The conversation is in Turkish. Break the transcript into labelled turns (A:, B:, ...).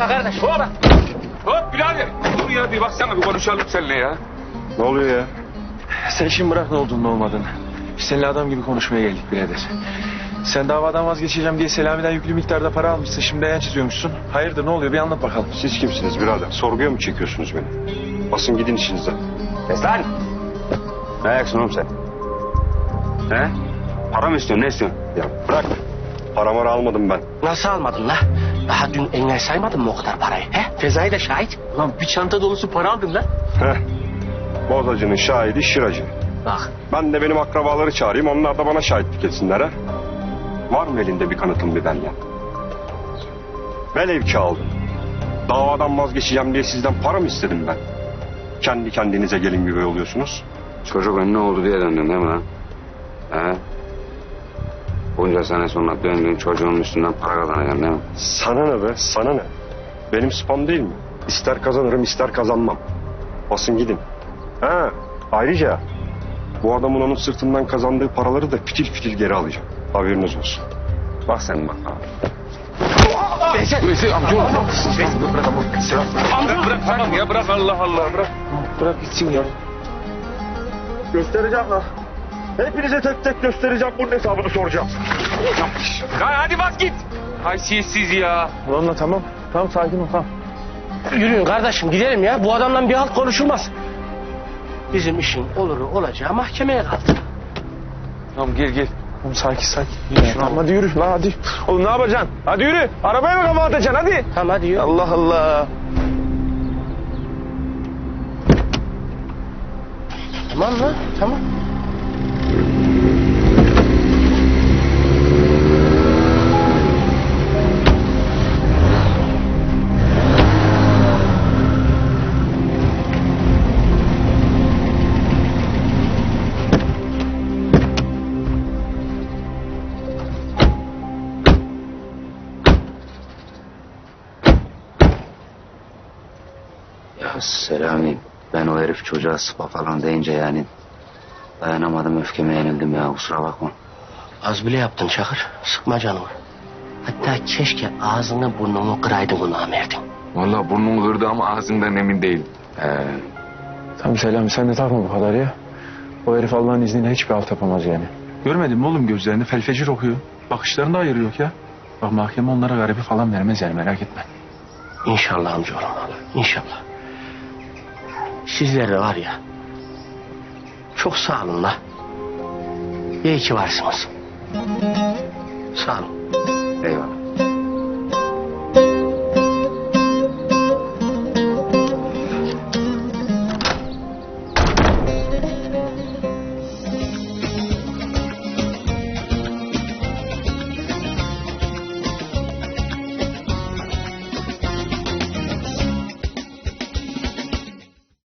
A: dakika kardeş.
B: Hop. Hop birader. Dur ya bir baksana bir konuşalım seninle ya.
C: Ne oluyor ya?
D: Sen şimdi bırak ne olduğunu ne olmadığını. Biz seninle adam gibi konuşmaya geldik birader. Sen davadan vazgeçeceğim diye Selami'den yüklü miktarda para almışsın. Şimdi yan çiziyormuşsun. Hayırdır ne oluyor bir anlat bakalım.
C: Siz kimsiniz birader? Sorguya mı çekiyorsunuz beni? Basın gidin işinizden.
E: Lan! Ne ayaksın oğlum sen? He? Para mı istiyorsun? Ne istiyorsun?
C: Ya bırak. Paramı almadım ben.
A: Nasıl almadın la? Daha dün engel saymadın mı o kadar parayı? He? Fezai de şahit.
D: Lan bir çanta dolusu para aldın lan.
C: Heh. Bozacının şahidi şıracı.
A: Bak.
C: Ben de benim akrabaları çağırayım. Onlar da bana şahitlik etsinler ha. Var mı elinde bir kanıtın bir belge? Velev ki aldım. Davadan vazgeçeceğim diye sizden para mı istedim ben? Kendi kendinize gelin gibi oluyorsunuz.
E: Çocuk önüne oldu diye döndün değil mi lan? He? Bunca sene sonra döndün çocuğun üstünden para kazanacaksın değil mi?
C: Sana ne be? Sana ne? Benim spam değil mi? İster kazanırım ister kazanmam. Basın gidin. Ha, ayrıca bu adamın onun sırtından kazandığı paraları da fitil fitil geri alacağım. Haberiniz olsun.
E: Bak sen bak abi.
B: Veysel amca oğlum. Bırak tamam ya bırak Allah Allah bırak.
D: Bırak gitsin ya.
C: Göstereceğim lan. Hepinize tek tek göstereceğim. Bunun hesabını soracağım.
B: Hadi bak git. Haysiyetsiz ya.
D: Ulan tamam. Tamam sakin ol tamam.
A: Yürüyün kardeşim gidelim ya. Bu adamla bir halt konuşulmaz. Bizim işin oluru olacağı mahkemeye kaldı.
D: Tamam gel. Tamam sakin. Tamam hadi yürü lan hadi. Oğlum ne yapacaksın? Hadi yürü. Arabaya mı kafa atacaksın hadi.
A: Tamam hadi yürü.
D: Allah Allah.
A: Tamam lan tamam.
E: Ya Selami, ben o herif çocuğa sıpa falan deyince yani dayanamadım, öfkeme yenildim ya, kusura bakma.
A: Az bile yaptın Çakır. Sıkma canımı. Hatta keşke ağzını burnunu kıraydın o namerdin.
B: Vallahi burnum kırdı ama ağzından emin değilim.
D: Tamam Selami sen de takma bu kadar ya. O herif Allah'ın izniyle hiçbir alt yapamaz yani. Görmedin mi oğlum gözlerini felfecir okuyor. Bakışlarında ayırı yok ya. Bak mahkeme onlara garibi falan vermez yani merak etme.
A: İnşallah amcaoğlum. İnşallah. Sizler de var ya. Çok sağ olun la. İyi ki varsınız. Sağ olun.
E: Eyvallah.